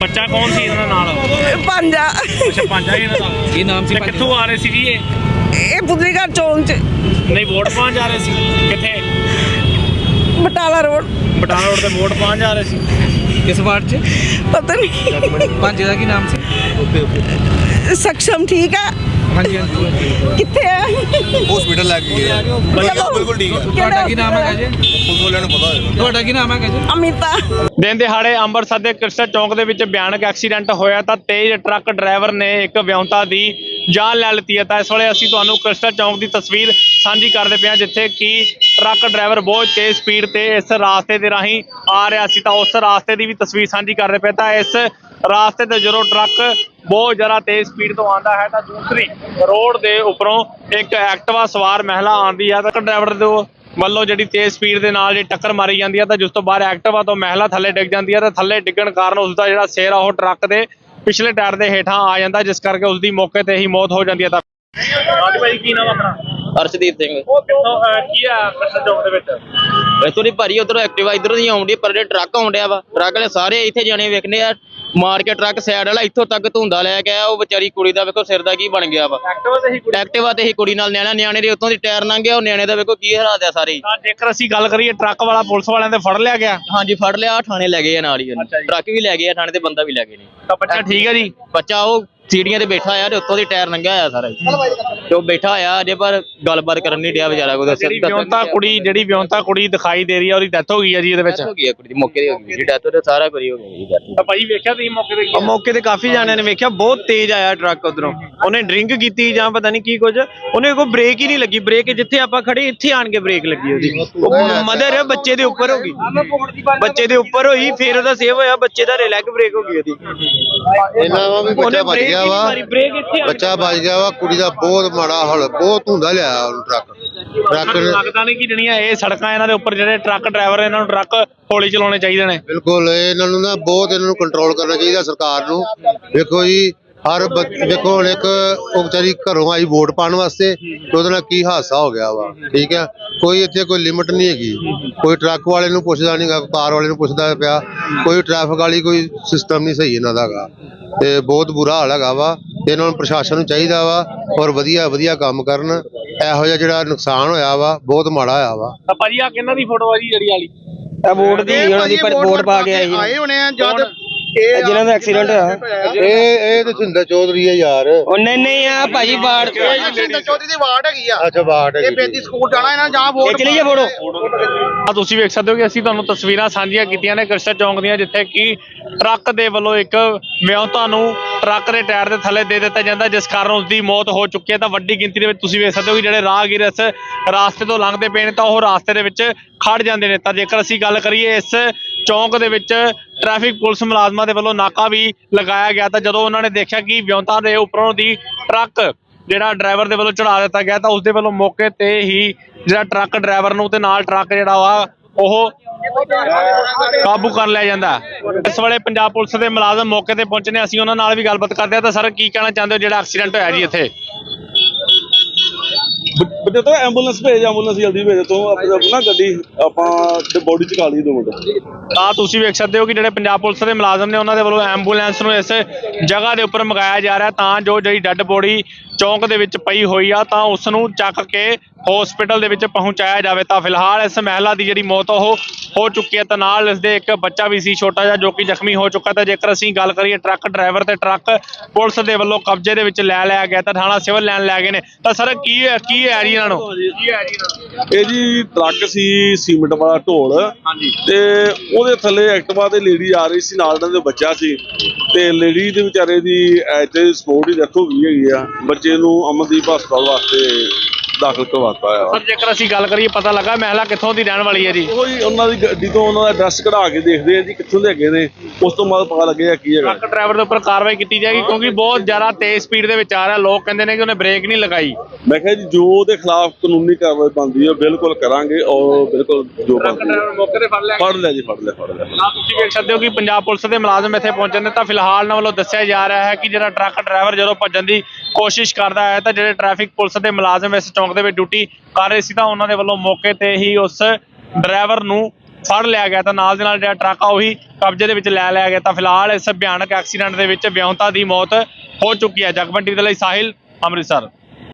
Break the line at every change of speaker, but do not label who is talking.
ਬੱਚਾ ਕੌਣ ਸੀ ਇਹਨਾਂ ਨਾਲ?
ਪੰਜਾ
ਅੱਛਾ ਪੰਜਾ ਹੀ ਇਹਨਾਂ ਦਾ।
ਕੀ ਨਾਮ ਸੀ?
ਕਿੱਥੋਂ ਆ ਰਹੇ ਸੀ ਜੀ
ਇਹ ਪੁਤਲੀਘਰ ਚੌਂਕ ਚ
ਨਹੀਂ ਵੋਟ ਪਾਉਣ ਜਾ ਰਹੇ ਸੀ? ਕਿੱਥੇ?
ਬਟਾਲਾ ਰੋਡ।
ਬਟਾਲਾ ਰੋਡ ਤੇ ਵੋਟ ਪਾਉਣ ਜਾ ਰਹੇ ਸੀ।
ਕਿਸ ਵਾਰਡ 'ਚ?
ਪਤਾ ਨਹੀਂ
ਭਾਂਜੇ ਦਾ ਕੀ ਨਾਮ ਸੀ?
ਸક્ષਮ ਠੀਕ ਆ?
ਹਾਂਜੀ ਹਾਂਜੀ।
ਕਿੱਥੇ ਆ?
ਹਸਪੀਟਲ ਲੈ ਕੇ ਗਏ ਆ। ਬਿਲਕੁਲ ਠੀਕ ਹੈ।
ਤੁਹਾਡਾ ਕੀ ਨਾਮ ਹੈਗਾ ਜੀ?
ਪੁਲਿਸ ਵਾਲਿਆਂ ਨੂੰ ਪਤਾ ਹੋਏਗਾ।
ਤੁਹਾਡਾ ਕੀ ਨਾਮ ਹੈਗਾ ਜੀ?
ਅਮਿਤਾ।
ਦਿਨ ਦਿਹਾੜੇ ਅੰਮ੍ਰਿਤਸਰ ਦੇ ਕ੍ਰਿਸਟਲ ਚੌਂਕ ਦੇ ਵਿੱਚ ਭਿਆਨਕ ਐਕਸੀਡੈਂਟ ਹੋਇਆ ਤਾਂ ਤੇਜ਼ ਟਰੱਕ ਡਰਾਈਵਰ ਨੇ ਇੱਕ ਵਿਅੰਤਾ ਦੀ ਜਾਨ ਲੈ ਲਿੱਤੀ ਹੈ। ਤਾਂ ਇਸ ਵੇਲੇ ਅਸੀਂ ਤੁਹਾਨੂੰ ਕ੍ਰਿਸਟਲ ਚੌਂਕ ਦੀ ਤਸਵੀਰ ਸਾਂਝੀ ਕਰਦੇ ਪਏ ਹਾਂ, ਜਿੱਥੇ ਕਿ ਟਰੱਕ ਡਰਾਈਵਰ ਬਹੁਤ ਤੇਜ਼ ਸਪੀਡ ਤੇ ਇਸ ਰਾਸਤੇ ਦੇ ਰਾਹੀਂ ਆ ਰਿਹਾ ਸੀ। ਤਾਂ ਉਸ ਰਾਸਤੇ ਦੀ ਵੀ ਤਸਵੀਰ ਸਾਂਝੀ ਕਰਦੇ ਪਏ। ਤਾਂ ਇਸ ਰਾਸਤੇ ਤੇ ਜਦੋਂ ਟਰੱਕ ਬਹੁਤ ਜ਼ਿਆਦਾ ਤੇਜ਼ ਸਪੀਡ ਤੋਂ ਆਉਂਦਾ ਹੈ ਤਾਂ ਦੂਸਰੀ ਰੋਡ ਦੇ ਉੱਪਰੋਂ ਇੱਕ ਐਕਟਿਵਾ ਸਵਾਰ ਮਹਿਲਾ ਆਉਂਦੀ ਹੈ। ਤਾਂ ਡਰਾਈਵਰ ਦੇ ਵੱਲੋਂ ਜਿਹੜੀ ਤੇਜ਼ ਸਪੀਡ ਦੇ ਨਾਲ ਜਿਹੜੀ ਟੱਕਰ ਮਾਰੀ ਜਾਂਦੀ ਹੈ ਤਾਂ ਜਿਸ ਤੋਂ ਬਾਅਦ ਐਕਟਿਵਾ ਤੋਂ ਮਹਿਲਾ ਥੱਲੇ ਡਿੱਗ ਜਾਂਦੀ ਹੈ। ਤਾਂ ਥੱਲੇ ਡਿੱਗਣ ਕਾਰਨ ਉਸ ਦਾ ਜਿਹੜਾ ਸਿਰ ਆ ਉਹ ਟਰੱਕ ਦੇ ਪਿਛਲੇ ਟਾਇਰ ਦੇ ਹੇਠਾਂ ਆ ਜਾਂਦਾ, ਜਿਸ ਕਰਕੇ ਉਸ ਦੀ ਮੌਕੇ ਤੇ ਹੀ ਮੌਤ ਹੋ ਜਾਂਦੀ ਹੈ। ਤਾਂ ਹਾਂਜੀ ਭਾਈ ਕੀ ਨਾਮ ਆਪਣਾ?
ਅਰਸ਼ਦੀਪ ਸਿੰਘ।
ਉਹ ਕਿੱਥੋਂ ਕੀ ਆ ਕ੍ਰਿਸਟਲ ਚੌਂਕ ਦੇ ਵਿੱਚ?
ਇੱਥੋਂ ਦੀ ਭਾਰੀ ਉਧਰੋਂ ਐਕਟਿਵਾ ਇਧਰੋਂ ਦੀ ਆਉਂਦੀ, ਪਰ ਜਿਹੜੇ ਟਰੱਕ ਆਉਂਦਿਆ ਵਾ ਟਰੱਕ ਵਾਲੇ ਸਾਰੇ ਇੱਥੇ ਜਾਣੇ ਵੇਖਣੇ ਆ ਮਾਰ ਕੇ ਟਰੱਕ ਸਾਈਡ ਵਾਲਾ ਇੱਥੋਂ ਤੱਕ ਧੁੰਦਾ ਲੈ ਕੇ ਆਇਆ। ਉਹ ਵਿਚਾਰੀ ਕੁੜੀ ਦਾ ਵੇਖੋ ਸਿਰ ਦਾ ਕੀ ਬਣ ਗਿਆ ਵਾ। ਐਕਟਿਵਾ ਤੇ ਹੀ ਕੁੜੀ ਨਾਲ ਨਿਆਣੇ ਦੇ ਉੱਤੋਂ ਦੀ ਟਾਇਰ ਲੰਘ ਗਿਆ। ਉਹ ਨਿਆਣੇ ਦਾ ਵੇਖੋ ਕੀ ਹਾਲਾਤ ਆ ਸਾਰੇ।
ਤਾਂ ਜੇਕਰ ਅਸੀਂ ਗੱਲ ਕਰੀਏ ਟਰੱਕ ਵਾਲਾ ਪੁਲਿਸ ਵਾਲਿਆਂ ਦੇ ਫੜ ਲਿਆ ਗਿਆ?
ਹਾਂਜੀ ਫੜ ਲਿਆ, ਥਾਣੇ ਲੈ ਗਏ ਆ ਨਾਲ ਹੀ ਉਹਨੂੰ। ਟਰੱਕ ਵੀ ਲੈ ਗਏ ਆ ਥਾਣੇ ਤੇ, ਬੰਦਾ ਵੀ ਲੈ ਗਏ ਨੇ।
ਤਾਂ ਬੱਚਾ ਠੀਕ ਹੈ ਜੀ?
ਬੱਚਾ ਉਹ ਸੀੜੀਆਂ ਤੇ ਬੈਠਾ ਆ ਤੇ ਉੱਤੋਂ ਦੀ ਟਾਇਰ ਲੰਘਿਆ ਹੋਇਆ ਸਾਰਾ ਤੇ ਉਹ ਬੈਠਾ ਆ ਅਜੇ, ਪਰ ਗੱਲਬਾਤ ਕਰਨ ਨਹੀਂ ਡਿਆ ਵਿਚਾਰਾ। ਕੋਈ
ਜਿਹੜੀ ਵਿਅੰਤਾ ਕੁੜੀ ਦਿਖਾਈ ਦੇ ਰਹੀ ਹੈ ਉਹਦੀ ਡੈਥ ਹੋ ਗਈ ਹੈ ਜੀ ਇਹਦੇ ਵਿੱਚ?
ਹੋ ਗਈ ਆ ਕੁੜੀ ਦੀ, ਮੌਕੇ ਤੇ ਹੋ ਗਈ ਜੀ ਡੈਥ। ਤੇ ਸਾਰਾ ਕੁਝ ਹੋ ਗਿਆ ਜੀ।
ਤਾਂ ਭਾਈ ਵੇਖਿਆ ਤੁਸੀਂ ਮੌਕੇ ਤੇ?
ਮੌਕੇ ਤੇ ਕਾਫੀ ਜਾਣਿਆਂ ਨੇ ਵੇਖਿਆ, ਬਹੁਤ ਤੇਜ਼ ਆਇਆ ਟਰੱਕ ਉਧਰੋਂ। ਉਹਨੇ ਡਰਿੰਕ ਕੀਤੀ ਜਾਂ ਪਤਾ ਨਹੀਂ ਕੀ ਕੁਝ, ਉਹਨੇ ਕੋਈ ਬ੍ਰੇਕ ਹੀ ਨਹੀਂ ਲੱਗੀ। ਬ੍ਰੇਕ ਜਿੱਥੇ ਆਪਾਂ ਖੜੇ ਇੱਥੇ ਆਣ ਕੇ ਬ੍ਰੇਕ ਲੱਗੀ ਉਹਦੀ। ਉਹ ਮਦਰ ਬੱਚੇ ਦੇ ਉੱਪਰ ਹੋ ਗਈ, ਬੱਚੇ ਦੇ ਉੱਪਰ ਹੋਈ, ਫਿਰ ਉਹਦਾ ਸੇਵ ਹੋਇਆ, ਬੱਚੇ ਦਾ ਲੈਗ ਬ੍ਰੇਕ ਹੋ ਗਈ ਉਹਦੀ।
ਇਹਨਾਂ ਵਾ ਵੀ ਬੱਚਾ ਬਚ ਗਿਆ ਵਾ, ਬੱਚਾ ਬਚ ਗਿਆ ਵਾ। ਕੁੜੀ ਦਾ ਬਹੁਤ ਮਾੜਾ ਹਾਲ, ਬਹੁਤ ਧੁੰਦਾ ਲਿਆ ਉਹਨੂੰ ਟਰੱਕ ਨੇ।
ਲੱਗਦਾ ਨਹੀਂ ਕਿ ਜਿਹੜੀਆਂ ਇਹ ਸੜਕਾਂ ਇਹਨਾਂ ਦੇ ਉੱਪਰ ਜਿਹੜੇ ਟਰੱਕ ਡਰਾਈਵਰ ਇਹਨਾਂ ਨੂੰ ਟਰੱਕ ਹੌਲੀ ਚਲਾਉਣੇ ਚਾਹੀਦੇ ਨੇ?
ਬਿਲਕੁਲ ਇਹਨਾਂ ਨੂੰ ਨਾ ਬਹੁਤ ਇਹਨਾਂ ਨੂੰ ਕੰਟਰੋਲ ਕਰਨਾ ਚਾਹੀਦਾ ਸਰਕਾਰ ਨੂੰ। ਵੇਖੋ ਜੀ ਦੇਖੋ ਹੁਣ ਇੱਕ ਉਹ ਵਿਚਾਰੀ ਘਰੋਂ ਆਈ ਵੋਟ ਪਾਉਣ ਵਾਸਤੇ ਤੇ ਉਹਦੇ ਨਾਲ ਕੀ ਹਾਦਸਾ ਹੋ ਗਿਆ ਵਾ। ਠੀਕ ਹੈ, ਕੋਈ ਇੱਥੇ ਕੋਈ ਲਿਮਟ ਨਹੀਂ ਹੈਗੀ। ਕੋਈ ਟਰੱਕ ਵਾਲੇ ਨੂੰ ਪੁੱਛਦਾ ਨਹੀਂ ਗਾ, ਕਾਰ ਵਾਲੇ ਨੂੰ ਪੁੱਛਦਾ ਪਿਆ। ਕੋਈ ਟ੍ਰੈਫਿਕ ਵਾਲੀ ਕੋਈ ਸਿਸਟਮ ਨਹੀਂ ਸਹੀ ਇਹਨਾਂ ਦਾ ਹੈਗਾ ਤੇ ਬਹੁਤ ਬੁਰਾ ਹਾਲ ਹੈਗਾ ਵਾ। ਤੇ ਇਹਨਾਂ ਨੂੰ ਪ੍ਰਸ਼ਾਸਨ ਨੂੰ ਚਾਹੀਦਾ ਵਾ ਔਰ ਵਧੀਆ ਕੰਮ ਕਰਨ। ਇਹੋ ਜਿਹਾ ਜਿਹੜਾ ਨੁਕਸਾਨ ਹੋਇਆ ਵਾ ਬਹੁਤ ਮਾੜਾ ਹੋਇਆ ਵਾ।
ਤਾਂ ਭਾਜੀ ਆ ਕਿਹਨਾਂ ਦੀ ਫੋਟੋ ਆ ਜੀ ਜਿਹੜੀ ਵਾਲੀ?
ਇਹ ਵੋਟ ਦੀ ਉਹਨਾਂ ਦੀ ਵੋਟ ਪਾ ਕੇ ਆਏ
ਹੋਣੇ ਆ ਜਦ
ਜਿਹਨਾਂ ਦਾ ਐਕਸੀਡੈਂਟ ਹੋਇਆ।
ਇਹ ਤੇ ਸਿੰਦਰ ਚੌਧਰੀ ਆ ਯਾਰ।
ਉਹ ਨਹੀਂ ਆ ਭਾਜੀ ਬਾੜ
ਸਿੰਦਰ ਚੌਧਰੀ ਦੀ ਵਾਰਡ ਹੈਗੀ ਆ। ਅੱਛਾ ਵਾਰਡ ਹੈਗੀ। ਇਹ ਬੇਦੀ ਸਕੂਲ ਜਾਣਾ ਇਹਨਾਂ ਜਾਂ ਵੋਟ
ਚਲੀ ਜਾ ਫੋਟੋ।
ਆ ਤੁਸੀਂ ਵੇਖ ਸਕਦੇ ਹੋ ਕਿ ਅਸੀਂ ਤੁਹਾਨੂੰ ਤਸਵੀਰਾਂ ਸਾਂਝੀਆਂ ਕੀਤੀਆਂ ਨੇ ਕ੍ਰਿਸਟਲ ਚੌਂਕ ਦੀਆਂ, ਜਿੱਥੇ ਕਿ ਟਰੱਕ ਦੇ ਵੱਲੋਂ ਇੱਕ ਵਿਅੰਤਾ ਨੂੰ ਟਰੱਕ ਦੇ ਟਾਇਰ ਦੇ ਥੱਲੇ ਦੇ ਦਿੱਤਾ ਜਾਂਦਾ, ਜਿਸ ਕਾਰਨ ਉਸ ਦੀ ਮੌਤ ਹੋ ਚੁੱਕੀ ਹੈ। ਤਾਂ ਵੱਡੀ ਗਿਣਤੀ ਦੇ ਵਿੱਚ ਤੁਸੀਂ ਵੇਖ ਸਕਦੇ ਹੋ ਕਿ ਜਿਹੜੇ ਰਾਹਗੀਰ ਇਸ ਰਾਸਤੇ ਤੋਂ ਲੰਘਦੇ ਪਏ ਨੇ ਤਾਂ ਉਹ ਰਾਸਤੇ ਦੇ ਵਿੱਚ ਖੜ ਜਾਂਦੇ ਨੇ। ਤਾਂ ਜੇਕਰ ਅਸੀਂ ਗੱਲ ਕਰੀਏ ਇਸ ਚੌਂਕ ਦੇ ਵਿੱਚ ਟ੍ਰੈਫਿਕ ਪੁਲਿਸ ਮੁਲਾਜ਼ਮਾਂ ਦੇ ਵੱਲੋਂ ਨਾਕਾ ਵੀ ਲਗਾਇਆ ਗਿਆ, ਤਾਂ ਜਦੋਂ ਉਹਨਾਂ ਨੇ ਦੇਖਿਆ ਕਿ ਵਿਅੰਤਾ ਦੇ ਉੱਪਰੋਂ ਦੀ ਟਰੱਕ ਜਿਹੜਾ ਡਰਾਈਵਰ ਦੇ ਵੱਲੋਂ ਚੜਾ ਦਿੱਤਾ ਗਿਆ ਤਾਂ ਉਸ ਦੇ ਵੱਲੋਂ ਮੌਕੇ ਤੇ ਹੀ ਜਿਹੜਾ ਟਰੱਕ ਡਰਾਈਵਰ ਨੂੰ ਤੇ ਨਾਲ ਟਰੱਕ ਜਿਹੜਾ ਵਾ ਉਹ ਕਾਬੂ ਕਰ ਲਿਆ ਜਾਂਦਾ। ਇਸ ਵੇਲੇ ਪੰਜਾਬ ਪੁਲਿਸ ਦੇ ਮੁਲਾਜ਼ਮ ਮੌਕੇ ਤੇ ਪਹੁੰਚੇ ਨੇ, ਅਸੀਂ ਉਹਨਾਂ ਨਾਲ ਵੀ ਗੱਲਬਾਤ ਕਰਦੇ ਹਾਂ। ਤਾਂ ਸਰ ਕੀ ਕਹਿਣਾ ਚਾਹੁੰਦੇ ਹੋ ਜਿਹੜਾ ਐਕਸੀਡੈਂਟ ਹੋਇਆ ਜੀ ਇੱਥੇ?
ਬੱਚੇ ਤੋਂ ਐਂਬੂਲੈਂਸ ਭੇਜ, ਐਂਬੂਲੈਂਸ ਜਲਦੀ ਭੇਜ ਤੋਂ ਆਪਣਾ ਗੱਡੀ ਆਪਾਂ ਬੋਡੀ ਚ ਖਾ ਲਈ 2 ਮਿੰਟ।
ਤਾਂ ਤੁਸੀਂ ਵੇਖ ਸਕਦੇ ਹੋ ਕਿ ਜਿਹੜੇ ਪੰਜਾਬ ਪੁਲਿਸ ਦੇ ਮੁਲਾਜ਼ਮ ਨੇ ਉਹਨਾਂ ਦੇ ਵੱਲੋਂ ਐਂਬੂਲੈਂਸ ਨੂੰ ਇਸ ਜਗ੍ਹਾ ਦੇ ਉੱਪਰ ਮੰਗਾਇਆ ਜਾ ਰਿਹਾ ਤਾਂ ਜੋ ਜਿਹੜੀ ਡੈੱਡ ਬੋਡੀ ਚੌਂਕ ਦੇ ਵਿੱਚ ਪਈ ਹੋਈ ਆ ਤਾਂ ਉਸ ਨੂੰ ਚੱਕ ਕੇ ਹਸਪੀਟਲ ਦੇ ਵਿੱਚ ਪਹੁੰਚਾਇਆ ਜਾਵੇ। ਤਾਂ ਫਿਲਹਾਲ ਇਸ ਮਹਿਲਾ ਦੀ ਜਿਹੜੀ ਮੌਤ ਉਹ ਹੋ ਚੁੱਕੀ ਹੈ, ਤਾਂ ਨਾਲ ਇਸ ਦੇ ਇੱਕ ਬੱਚਾ ਵੀ ਸੀ ਛੋਟਾ ਜਿਹਾ ਜੋ ਕਿ ਜ਼ਖਮੀ ਹੋ ਚੁੱਕਾ। ਤਾਂ ਜੇਕਰ ਅਸੀਂ ਗੱਲ ਕਰੀਏ ਟਰੱਕ ਡਰਾਈਵਰ ਤੇ ਟਰੱਕ ਪੁਲਿਸ ਦੇ ਵੱਲੋਂ ਕਬਜ਼ੇ ਦੇ ਵਿੱਚ ਲੈ ਲਿਆ ਗਿਆ ਤਾਂ ਥਾਣਾ ਸਿਵਲ ਲੈਣ ਲੈ ਗਏ ਨੇ। ਤਾਂ ਸਰ ਕੀ ਹੈ ਜੀ ਇਹਨਾਂ ਨੂੰ?
ਇਹ ਜੀ ਟਰੱਕ ਸੀ ਸੀਮਿੰਟ ਵਾਲਾ ਢੋਲ, ਤੇ ਉਹਦੇ ਥੱਲੇ ਐਕਟਿਵਾ ਤੇ ਲੇਡੀ ਆ ਰਹੀ ਸੀ, ਨਾਲ ਉਹਨਾਂ ਦੇ ਬੱਚਾ ਸੀ ਤੇ ਲੇਡੀ ਦੇ ਵਿਚਾਰੇ ਦੀ ਐਜ ਸਪੋਰਟ ਹੀ ਡੈਥ ਹੋ ਗਈ ਹੈਗੀ ਆ। ਬੱਚੇ ਨੂੰ ਅਮਨਦੀਪ ਹਸਪਤਾਲ ਵਾਸਤੇ ਦਾਖਲ ਕਰਵਾਤਾ ਆ।
ਸਰ ਜੇਕਰ ਅਸੀਂ ਗੱਲ ਕਰੀਏ ਪਤਾ ਲੱਗਾ ਮਹਿਲਾ ਕਿੱਥੋਂ ਦੀ ਰਹਿਣ ਵਾਲੀ ਹੈ ਜੀ?
ਉਹੀ ਉਹਨਾਂ ਦੀ ਗੱਡੀ ਤੋਂ ਉਹਨਾਂ ਦਾ ਐਡਰੈਸ ਕਢਾ ਕੇ ਦੇਖਦੇ ਆ ਜੀ ਕਿੱਥੋਂ ਦੇ ਹੈਗੇ ਨੇ, ਉਸ ਤੋਂ ਬਾਅਦ ਪਤਾ ਲੱਗੇਗਾ ਕੀ ਹੈਗਾ।
ਟਰੱਕ ਡਰਾਈਵਰ ਦੇ ਉੱਪਰ ਕਾਰਵਾਈ ਕੀਤੀ ਜਾਏਗੀ ਕਿਉਂਕਿ ਬਹੁਤ ਜ਼ਿਆਦਾ ਤੇਜ਼ ਸਪੀਡ ਦੇ ਵਿੱਚ ਆ ਰਿਹਾ। ਲੋਕ ਕਹਿੰਦੇ ਨੇ ਕਿ ਉਹਨੇ ਬ੍ਰੇਕ ਨਹੀਂ ਲਗਾਈ।
ਮੈਂ ਕਿਹਾ ਜੀ ਜੋ ਉਹਦੇ ਖਿਲਾਫ ਕਾਨੂੰਨੀ ਕਾਰਵਾਈ ਬਣਦੀ ਹੈ ਬਿਲਕੁਲ ਕਰਾਂਗੇ ਔਰ ਬਿਲਕੁਲ ਜੋ ਬਣਦੀ ਹੈ।
ਮੌਕੇ ਤੇ ਫੜ ਲਿਆ
ਜੀ ਫੜ ਲਿਆ।
ਤੁਸੀਂ ਵੇਖ ਸਕਦੇ ਹੋ ਕਿ ਪੰਜਾਬ ਪੁਲਿਸ ਦੇ ਮੁਲਾਜ਼ਮ ਇੱਥੇ ਪਹੁੰਚੇ ਨੇ। ਤਾਂ ਫਿਲਹਾਲ ਉਹਨਾਂ ਵੱਲੋਂ ਦੱਸਿਆ ਜਾ ਰਿਹਾ ਹੈ ਕਿ ਜਿਹੜਾ ਟਰੱਕ ਡਰਾਈਵਰ ਜਦੋਂ ਭੱਜਣ ਦੀ ਕੋਸ਼ਿਸ਼ ਕਰਦਾ ਹੈ ਤਾਂ ਜਿਹੜੇ ਟ੍ਰੈਫਿਕ ਪੁਲਿਸ ਦੇ ਮੁਲਾਜ਼ਮ ਇਸ ਚੌਂਕ ਦੇ ਵਿੱਚ ਡਿਊਟੀ ਕਰ ਰਹੇ ਸੀ ਤਾਂ ਉਹਨਾਂ ਦੇ ਵੱਲੋਂ ਮੌਕੇ ਤੇ ਹੀ ਉਸ ਡਰਾਈਵਰ ਨੂੰ ਫੜ ਲਿਆ ਗਿਆ ਤਾਂ ਨਾਲ ਦੇ ਨਾਲ ਜਿਹੜਾ ਟਰੱਕ ਆ ਉਹੀ ਕਬਜ਼ੇ ਦੇ ਵਿੱਚ ਲੈ ਲਿਆ ਗਿਆ। ਤਾਂ ਫਿਲਹਾਲ ਇਸ ਭਿਆਨਕ ਐਕਸੀਡੈਂਟ ਦੇ ਵਿੱਚ ਵਿਆਹੁਤਾ ਦੀ ਮੌਤ ਹੋ ਚੁੱਕੀ ਹੈ। ਜਗਮੰਡੀ ਦੇ ਲਈ ਸਾਹਿਲ, ਅੰਮ੍ਰਿਤਸਰ।